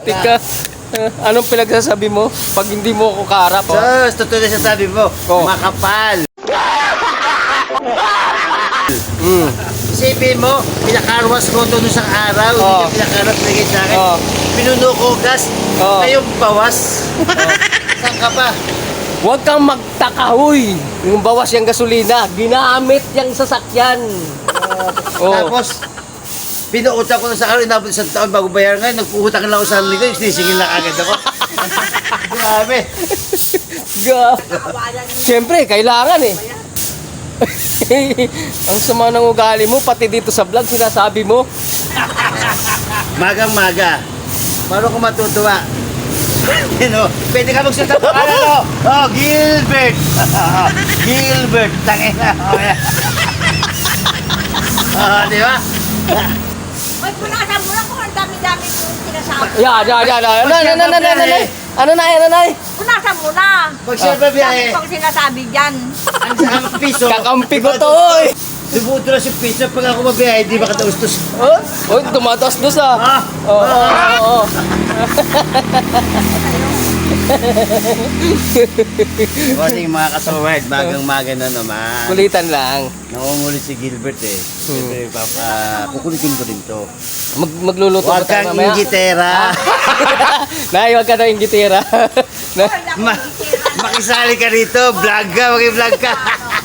Tika, anong pinagsasabi mo pag hindi mo ako kaharap? Oh? Totoo na sasabi mo, Oh. makapal. Isipin mo, pinakarwas ko ito nung isang araw, hindi Oh. yung pinakarwas na sa akin. Oh. Pinuno ko gas, Oh. ngayong bawas. Saan ka pa? Huwag kang magtaka, huy. Yung bawas yung gasolina, ginamit yung sasakyan. Oh. Tapos, pinuutang ko na sa araw, inabot isang taon bago bayaran ngayon, nagpuutang lang ako sa linggo, sinisingil lang agad ako. Grabe. Siyempre, kailangan eh. Ang sama ng ugali mo, pati dito sa vlog, sinasabi mo. Magang-maga. Paano ko matutuwa? You know, pwede ka magsalita pa ano? Oh, Gilbert! Gilbert! Tangina! Oh, di ba? Ay, punasan mo lang kung ang dami-dami mo yung sinasabi. Yan. Ano na? Punasan mo na. Pag siyempre Dami biyahe, pang sinasabi dyan. ang piso. Kakampi ko to, oy. Subuto na si piso pag ako mabiyahe, di ba kataustos? Oh, oy, tumatas dos ah. Oo. Morning mga kasawad, magang-maga na naman. Kulitan lang. Nangungulit si Gilbert eh. Siyempre, kukulitin ko rin to. Magluluto Huwag ba tayo kang mamaya? ingitera. Nay, huwag ka na ingitira. Makisali ka rito, vlog ka, mag-vlog ka.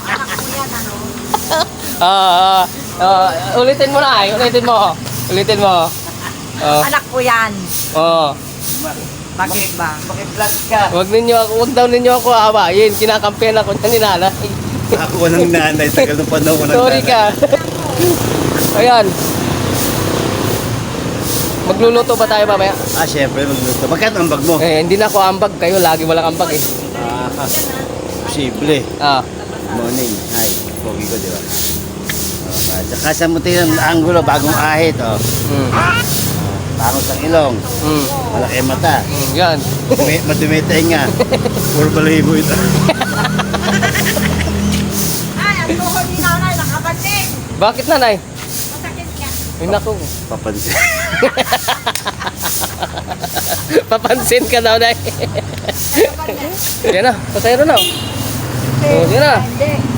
Ulitin mo na, ulitin mo. Anak ko yan. Bakit ba? Mag-vlog ka. Huwag daw ninyo ako aawayin. Kinakampihan ako niya ni nanay. Ako ng nanay, tagal ng panahon ko ng Sorry nanay. ka. Ayan. Magluluto ba tayo mamaya? Siyempre, magluto. Magkano ang bag mo? Hindi na ako ambag. Kayo lagi walang ambag eh. Posible. Morning. Hi. Pogi ko, di ba? Tsaka sa muti ng angulo, bagong ahit. Pangos ang ilong. Malaki ang mata. Yan. Madumi tenga. Puro balahibo ito. Ay, ang tuhod ni nanay, nakabanting. Bakit nanay? Masakit ka. Ay naku. Papansin. Papansin ka daw nay. Yan na. Pasayro na. Oh, yan na. Hindi.